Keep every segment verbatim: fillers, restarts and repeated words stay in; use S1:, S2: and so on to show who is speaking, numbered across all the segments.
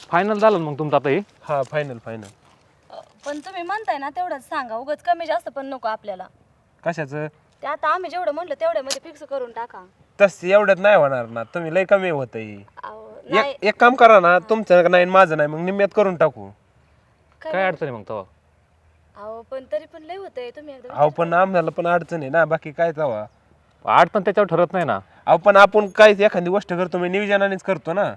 S1: Final झालं मग तुमचं आता हे?
S2: हा फायनल फायनल.
S3: पण तुम्ही म्हणताय ना तेवढंच सांगा, उगाच कमी जास्त पण नको आपल्याला.
S2: कशाचं?
S3: ते आता आम्ही जेवढं म्हणलं तेवढ्यामध्ये फिक्स करून टाका.
S2: तस एवढ्यात नाही होणार ना, तुम्ही लय कमी होतंय.
S3: अहो, नाही
S2: एक एक काम करा ना, तुमचं नाही माझं नाही, मग निम्म्यात करून टाकू.
S1: काय अडचण आहे मग तेव्हा?
S3: अहो पण तरी पण लय होतंय, तुम्ही एकदा
S2: अहो पण आम्हाला पण अडचण आहे ना, बाकी काय तवा.
S1: अडचण त्याच्यावर ठरत नाही ना.
S2: अहो पण आपण काय एखादी गोष्ट करतो मी नियोजनानेच करतो ना.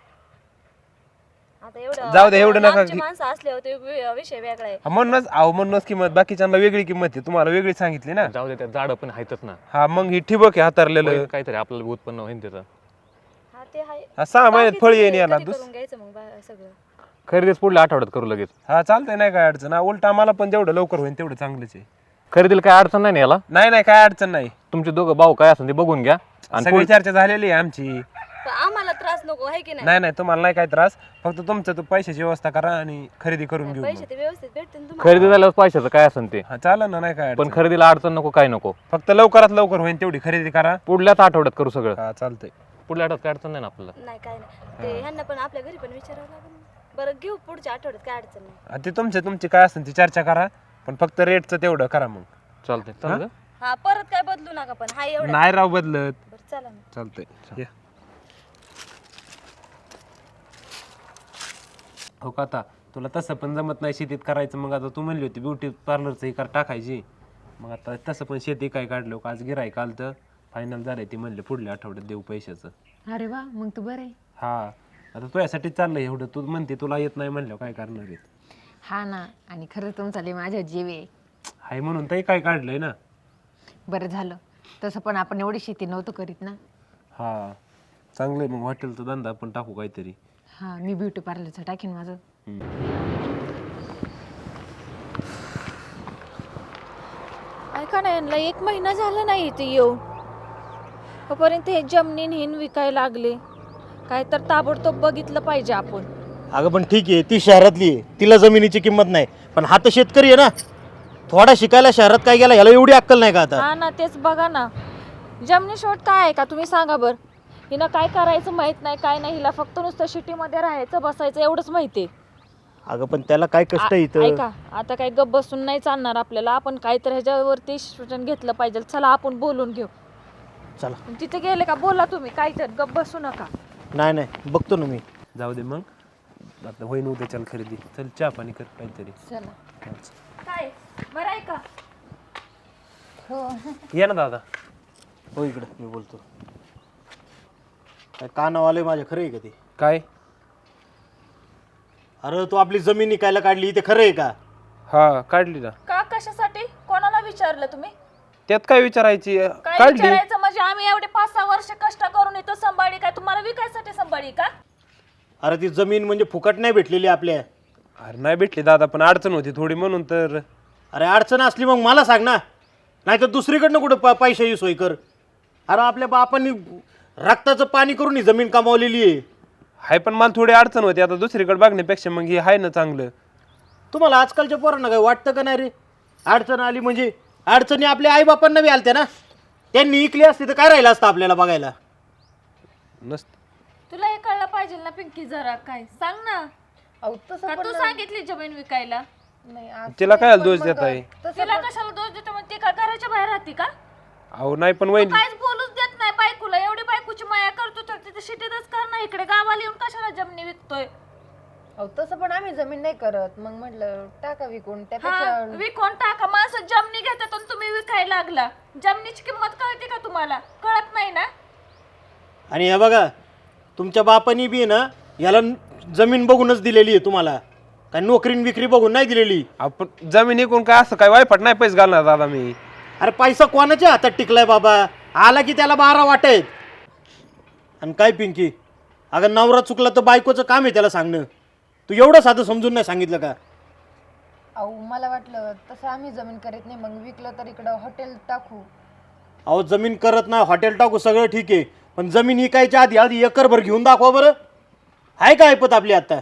S3: आता एवढं
S2: जाऊ दे, एवढं नका
S3: लांबची
S2: घे-
S3: माणसं असल्यावर ते वि- विषय वेगळा आहे.
S2: हा, म्हणूनच अहो म्हणूनच किंमत बाकीच्यांना वेगळी किंमत आहे, तुम्हाला वेगळी सांगितली ना.
S1: जाऊ दे, त्या झाडं पण आहेतच ना.
S2: हा मग ही ठिबक आहे हातारलेलं.
S1: होईल काहीतरी आपल्याला उत्पन्न होईल त्याचं.
S3: हा ते आहे.
S2: हा, सहा महिन्यात फळ येईन याला.
S3: कधी
S2: दुस
S3: करून घ्यायचं मग बा- सगळं.
S1: खरेदीच पुढल्या आठवड्यात करू लगेच.
S2: हा चालतंय, नाही काय अडचण. हा, उलट आम्हाला पण जेवढं लवकर होईल तेवढं चांगलंच आहे.
S1: खरेदीला काय अडचण नाही ना याला.
S2: नाही नाही काय अडचण नाही.
S1: तुमचे दोघं भाऊ काय असेल ते बघून घ्या आणि
S2: सगळी चर्चा झालेली आहे आमची.
S3: पण आम्हाला त्रास नको आहे की नाही?
S2: नाही नाही तुम्हाला नाही काय त्रास, फक्त तुमचं तो पैशाची व्यवस्था करा आणि खरेदी करून घेऊ
S3: पैसे
S2: मग.
S3: ते व्यवस्थित भेटतील ना तुम्हाला.
S1: खरेदी झाल्यावर पैशाचं काय असेल ते.
S2: हा चालेल ना, नाही काय
S1: पण
S2: अडचण.
S1: खरेदीला अडचण नको, काय नको.
S2: फक्त लवकरात लवकर होईल तेवढी खरेदी करा.
S1: पुढल्याच आठवड्यात करू सगळं.
S2: हा चालतंय.
S1: पुढल्या आठवड्यात काय अडचण नाही ना आपल्याला.
S3: नाही काय नाही, ते ह्यांना पण आपल्या घरी पण विचारावं लागेल ना. बरं घेऊ पुढच्या आठवड्यात, काय अडचण नाही.
S2: हा, ते तुमचे तुमची काय असेल ती चर्चा करा, पण फक्त रेटचं तेवढं करा मग.
S1: चालतंय चालतं.
S3: हा परत काय बदलू नका, पण हा एवढं.
S2: नाही राव बदलत.
S3: बरं चला ना.
S2: चालतंय या. हो का, आता तुला तसं पण जमत नाही शेतीत करायचं, मग आता तू म्हणली होती ब्युटी पार्लरचं हे कर टाकायची, मग आता तसं पण शेती काय काढलं का, आज गिराय काल तर फायनल झालंय, ते म्हणले पुढल्या आठवड्यात देऊ पैशाचं.
S4: अरे वा, मग तू बरं आहे.
S2: हा आता तुझ्यासाठी चाललंय एवढं, तू म्हणते तुला येत नाही म्हणलं काय करणार आहे.
S4: हा ना, आणि खरंच तुमचा लय माझ्या जीव आहे.
S2: हाय म्हणून ते काय काढलंय ना.
S4: बरं झालं, तसं पण आपण एवढी शेती नव्हतं करीत ना.
S2: हा चांगलंय, मग हॉटेलचा धंदा आपण टाकू काहीतरी.
S4: हा, मी ब्युटी पार्लरचं टाकीन माझं.
S5: ऐका ना, यांना एक महिना झाला नाही इथे येऊन, तोपर्यंत हे जमिनी हिन विकायला लागले. काय तर ताबडतोब बघितलं पाहिजे आपण.
S6: अगं पण ठीक आहे, ती शहरातली आहे, तिला जमिनीची किंमत नाही, पण हा तर शेतकरी आहे ना. थोडा शिकायला शहरात काय गेला, याला एवढी अक्कल नाही का आता?
S5: हा ना, तेच बघा ना. जमिनी शोध काय आहे का, तुम्ही सांगा बर. हिनं काय करायचं माहित नाही, काय नाही. हिला फक्त नुसतं सिटीमध्ये राहायचं, बसायचं एवढंच माहिती आहे.
S6: अगं पण त्याला काय कष्ट आहे इथं?
S5: ऐका, आता काय गप बसून नाही चालणार आपल्याला. आपण काहीतरी ह्याच्यावरती सूचन घेतलं पाहिजे. चला आपण बोलून घेऊ.
S6: चला.
S5: तिथे गेले का बोला तुम्ही, काहीतरी गप बसू नका.
S6: नाही नाही, बघतो ना मी.
S2: जाऊ दे मग, आता होईन उद्या चल खरेदी. चल चहा पाणी कर काहीतरी.
S4: चला.
S5: काय बरं आहे का?
S4: हो.
S2: ये ना दादा.
S6: हो इकडे मी बोलतो. काय कानावाले माझ्या, खरं आहे का ते?
S2: काय?
S6: अरे तू आपली जमीन निकायला काढली, ते खरं आहे का?
S2: हा काढली ना.
S5: का, कशासाठी, कोणाला विचारलं तुम्ही?
S2: त्यात काय विचारायची,
S5: काय
S2: काढली.
S5: विचारायचं म्हणजे, आम्ही एवढे पाच सहा वर्ष कष्ट करून इथं सांभाळी, काय तुम्हाला विकायसाठी सांभाळी का?
S6: अरे ती जमीन म्हणजे फुकट नाही भेटलेली आपल्या.
S2: अरे नाही भेटली दादा, पण अडचण होती थोडी म्हणून तर.
S6: अरे अडचण असली मग मला सांग ना, नाही तर दुसरीकडनं कुठं प पैशाची सोय कर. अरे आपल्या बापांनी रक्ताचं पाणी करून ही जमीन कमावलेली आहे.
S2: हाय पण मला थोडी अडचण होती, आता दुसरीकडे बघण्यापेक्षा मग हे आहे ना चांगलं.
S6: तुम्हाला आजकालच्या पोरांना काय वाटतं का नाही रे? अडचण आली म्हणजे, अडचणी आपल्या आईबापांना बी आलत्या ना. त्यांनी इकली असती तर काय राहिलं असतं आपल्याला बघायला?
S2: नसत.
S5: तुला हे कळलं पाहिजे ना पिंकी, जरा काय सांग ना.
S4: अहो, तसं
S5: का
S4: पण
S5: तू सांगितली जमीन विकायला?
S4: नाही, आज
S2: तिला काय
S4: पण
S2: दोष
S4: मग
S2: देत आहे?
S5: तिला कशाला दोष देतो? मग ती का घराच्या बाहेर राहते का?
S2: अहो नाही पण वहिनी,
S5: काहीच बोलूच देत नाही बायकोला. एवढी बायकोची माया करतो तर तिथे सिटीतच कर ना. इकडे गावाला येऊन कशाला जमिनी विकतोय?
S4: अहो, तसं पण आम्ही जमीन नाही करत. मग म्हटलं टाका विकून,
S5: हा,
S4: त्यापेक्षा
S5: विकून टाका. माणसं जमिनी घेतात आणि तुम्ही विकायला लागला. जमिनीची किंमत कळते का तुम्हाला? कळत नाही ना.
S6: आणि हे बघा, तुमच्या बापानी बी ना याला जमीन बघूनच दिलेली आहे तुम्हाला, काय नोकरीन विक्री बघून नाही दिलेली.
S2: आपण जमीन इकून काय असं काय वायफट नाही पैसे घालणार दादा मी.
S6: अरे पैसा कोणाच्या हातात टिकलाय बाबा? आला की त्याला बारा वाटेत. आणि काय पिंकी, अगं नवरा चुकला तर बायकोचं काम आहे त्याला सांगणं. तू एवढं साधं समजून नाही सांगितलं का?
S4: अहो, मला वाटलं तसं आम्ही जमीन करीत नाही, मग विकलं तर इकडं हॉटेल टाकू.
S6: अहो जमीन करत नाही, हॉटेल टाकू, सगळं ठीक आहे, पण जमीन विकायच्या आधी आधी एकरभर घेऊन दाखवा बरं. आहे का ऐपत आपली आता?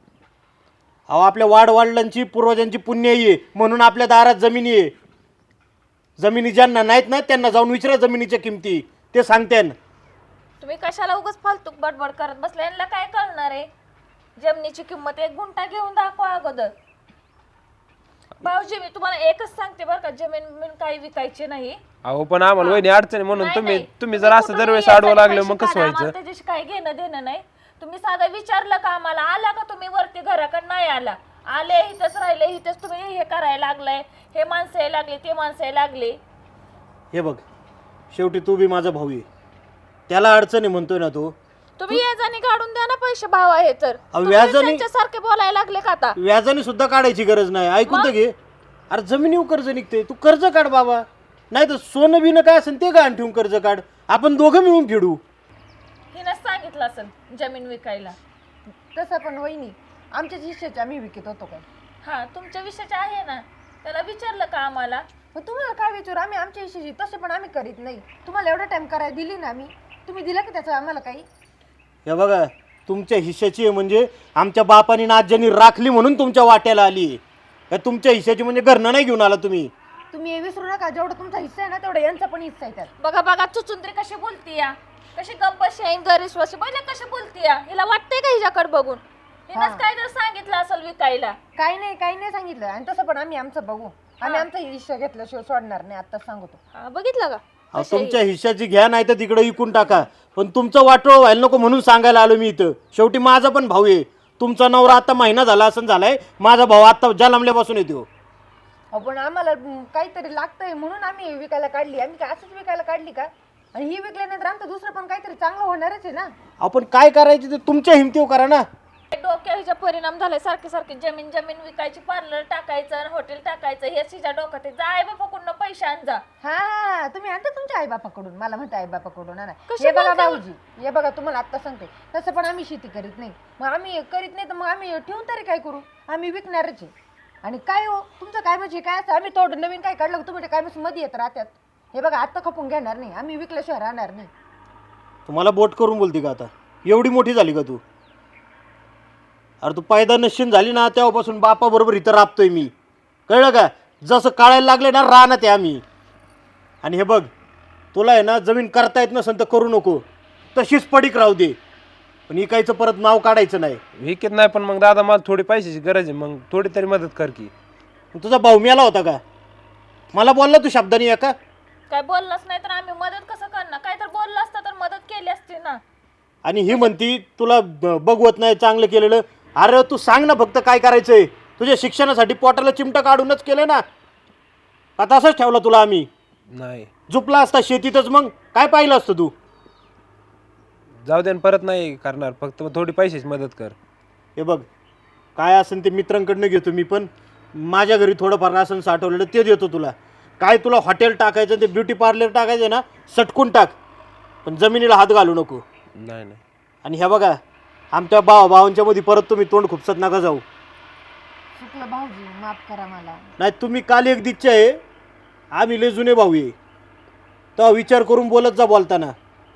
S6: अहो आपल्या वाडवडिलांची पूर्वजांची पुण्य आहे म्हणून आपल्या दारात जमिनी आहे. जमिनी ज्यांना नाहीत ना त्यांना जाऊन विचारा जमिनीच्या किमती, ते सांगते ना.
S5: तुम्ही कशाला उगाच फालतूक बडबड करत बसले? यांना काय कळणार आहे? जमिनीची किंमत एक गुंठा घेऊन दाखवा अगोदर. भाऊजी मी तुम्हाला एकच सांगते बरं का, जमीन बिमीन काही विकायची नाही.
S2: अहो पण आम्हाला वहिनी अडचणी म्हणून
S5: नाही,
S2: तुम्ही
S5: नाही.
S2: तुम्ही जर असं
S5: कुठून
S2: दरवेळेस
S5: यायचं
S2: आडवं लागलं
S5: पैसे
S2: मग कसं
S5: काढा, आम्हाला
S2: व्हायचं?
S5: त्याच्याशी काही घेणं देणं नाही. तुम्ही साधं विचारलं का आम्हाला, आला का तुम्ही वरती घराकडे नाही आला, आले इथंच राहिले, इथंच तुम्ही हे करायला लागलाय, हे माणसं यायला लागले, ते माणसं यायला लागले.
S6: हे बघ, शेवटी तू बी माझा भाऊ आहे, त्याला अडचणी म्हणतोय ना तू.
S5: तुम्ही याजाने काढून द्या ना पैसे, भाव आहे तर.
S6: अहो,
S5: तुम्ही
S6: व्याजाने-
S5: त्यांच्यासारखे बोलायला लागले का आता?
S6: व्याजाने सुद्धा काढायची गरज नाही, ऐकून तर घे. अरे जमिनीवर कर्ज निघते, तू कर्ज काढ बाबा, नाही तर सोनं बिनं काय असेल ते गहाण ठेवून कर्ज काढ, आपण दोघं मिळून फेडू.
S5: हिनंच सांगितलं असेल जमीन विकायला.
S4: तसं पण वहिनी आमच्याच हिश्श्याचे आम्ही विकत होतो काय?
S5: हा तुमच्या विषयाचे आहे ना, त्याला विचारलं का आम्हाला?
S4: मग तुम्हाला काय विचारू, आम्ही आमच्या हिश्श्याची तसे पण आम्ही करीत नाही. तुम्हाला एवढा टाइम करायला दिली ना आम्ही, तुम्ही दिला की त्याचं आम्हाला काही?
S6: हे बघा, तुमच्या हिश्श्याची आहे म्हणजे आमच्या बापानी ना आज्यांनी राखली म्हणून तुमच्या वाट्याला आली. का तुमच्या हिश्श्याची म्हणजे घरनं नाही घेऊन आला तुम्ही.
S4: तुम्ही हे विसरू नका, जेवढा तुमचा हिस्सा आहे ना तेवढा यांचा पण हिस्सा आहे त्यात.
S5: बघा बघा चुचुंद्री कशी बोलती या, कशी गप्पशी आहे गरीश्वाशी, बघा कशी बोलती या. हिला वाटतंय का हिच्याकडे बघून? हिनंच काय तर सांगितलं असेल विकायला.
S4: काही नाही काही नाही सांगितलं, आणि तसं पण आम्ही आमचं बघू. आम्ही आमचा हिस्सा घेतल्याशिवाय सोडणार नाही, आता सांगतो.
S5: हा, बघितलं का?
S6: अहो, तुमच्या हिश्श्याची घ्या नाही तर तिकडे विकून टाका, पण तुमचं वाटोळ व्हायला नको म्हणून सांगायला आलो मी इथं. शेवटी माझा पण भाऊ आहे, तुमचा नवरा आता महिना झाला असं झालाय, माझा भाऊ आता जन्मल्यापासून येतो.
S4: अहो, पण आम्हाला म, काहीतरी लागतंय म्हणून आम्ही हे विकायला काढली. आम्ही काय असंच विकायला काढली का? आणि ही विकल्यानंतर आमचं दुसरं पण काहीतरी चांगलं होणारच आहे ना.
S6: आपण काय करायचं ते तुमच्या हिमतीवर करा ना.
S5: डोक्यावर हिचा परिणाम झालाय, सारखे सारखे जमीन जमीन विकायची, पार्लर टाकायचं, हॉटेल टाकायचं, हे तिच्या डोक्यात आहे. जा आई बापाकडून पैसे आण जा.
S4: हा हा तुम्ही आणता तुमच्या आईबापाकडून, मला म्हणता आईबापाकडून आणा.
S5: कशी
S4: हे बघा
S5: बोलता?
S4: भाऊजी, हे बघा तुम्हाला आता सांगते, तसं पण आम्ही शेती करीत नाही. मग आम्ही करीत नाही तर मग आम्ही ठेवून तरी काय करू? आम्ही विकणारच आहे. आणि काय हो तुमचं काय म्हणजे काय असं, आम्ही थोडं नवीन काय काढलं का तुम्ही काय म्हणजे मध्ये येत राहतात. हे बघा आत्ता खपून घेणार नाही, आम्ही विकल्याशिवाय राहणार नाही.
S6: तुम्हाला बोट करून बोलते का आता? एवढी मोठी झाली का तू? अरे तू पायदा नशीन झाली ना तेव्हापासून बापाबरोबर इथं राबतोय मी, कळलं का? जसं काढायला लागले ना राहणार ते आम्ही. आणि हे बघ, तुला आहे ना जमीन करता येत नसेल तर करू नको, तशीच पडीक राहू दे, पण इकायचं परत नाव काढायचं नाही.
S2: विकत नाही पण मग दादा मला थोडी पैशाची गरज आहे, मग थोडी तरी मदत कर की.
S6: तुझा भाऊ मेला होता का? मला बोलला तू शब्दानी एका?
S5: काय बोललाच नाही तर आम्ही मदत कसं करणार? काय तर बोललं असतं तर मदत केली असती ना.
S6: आणि ही म्हणती तुला ब- बघवत नाही चांगलं केलेलं. अरे तू सांग ना फक्त काय करायचंय. तुझ्या शिक्षणासाठी पोटाला चिमटा काढूनच केलं ना, आता असंच ठेवला तुला आम्ही?
S2: नाही
S6: झुपला असता शेतीतच, मग काय पाहिलं असतं तू?
S2: जाऊ दे न, परत नाही करणार, फक्त थोडी पैशाची मदत कर.
S6: हे बघ, काय असेल ते मित्रांकडनं घेतो मी, पण माझ्या घरी थोडंफार असं साठवलेलं ते देतो तुला. काय तुला हॉटेल टाकायचं ते ब्युटी पार्लर टाकायचं ना, सटकून टाक, पण जमिनीला हात घालू नको.
S2: नाही नाही
S6: आणि हे बघा, आमच्या भावा भावांच्या मध्ये परत तुम्ही तोंड खुपसत नका जाऊ.
S4: चुकलं भाऊजी, माफ करा मला.
S6: नाही तुम्ही काल एक दिच्छा आहे, आम्ही लय जुने भाऊ आहे, तेव्हा विचार करून बोलत जा बोलताना.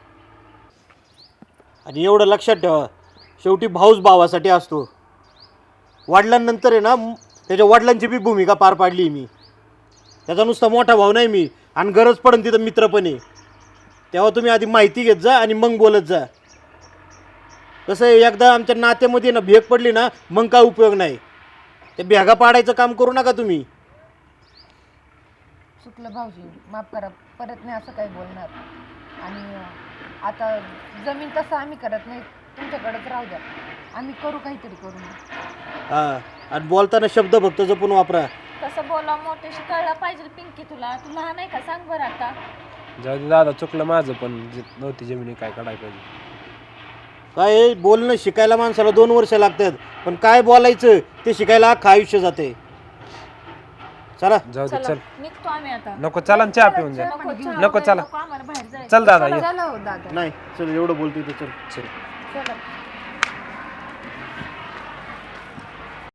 S6: आणि एवढं लक्षात ठेवा, शेवटी भाऊच भावासाठी असतो. वडिलांनंतर आहे ना म- त्याच्या वडिलांची बी भूमिका पार पाडली मी. त्याचा नुसता मोठा भाऊ नाही मी, आणि गरज पडेल तिथं मित्र पण आहे. तेव्हा तुम्ही आधी माहिती घेत जा आणि मग बोलत जा. कसं आहे, एकदा आमच्या नात्यामध्ये ना भेग पडली ना, मग काय उपयोग नाही. ते भेगा पाडायचं काम करू नका तुम्ही.
S4: चुकलं भाऊजी, माफ करा, परत नाही असं काही बोलणार. आणि अं, आता जमीन तसं आम्ही करत नाही, तुमच्याकडेच राहू द्या, आम्ही करू काहीतरी करू.
S6: हां, आणि बोलताना शब्द फक्त जपून वापरा.
S5: कसं बोला मोठ्याशी कळलं पाहिजे पिंकी तुला. तू लहान आहे का सांग बरं आता.
S2: जाऊ दे दादा, चुकलं माझं, पण जे नव्हती जमिनी काय काढायला पाहिजे.
S6: काय आहे, बोलणं शिकायला माणसाला दोन वर्ष लागतात, पण काय बोलायचं ते शिकायला अख्खं आयुष्य जाते. चला
S2: जाऊ दे
S5: चला
S2: चल.
S5: निघतो आम्ही आता.
S2: नको चला न, चहा पिऊन जा.
S5: नको चहा
S2: नको
S5: वगैरे
S2: चला.
S5: नको, आम्हाला बाहेर जायचं.
S2: चल दादा ये.
S4: चला हो दादा,
S6: नाही, चल एवढं बोलतोय तर चल.
S2: चल
S4: चला.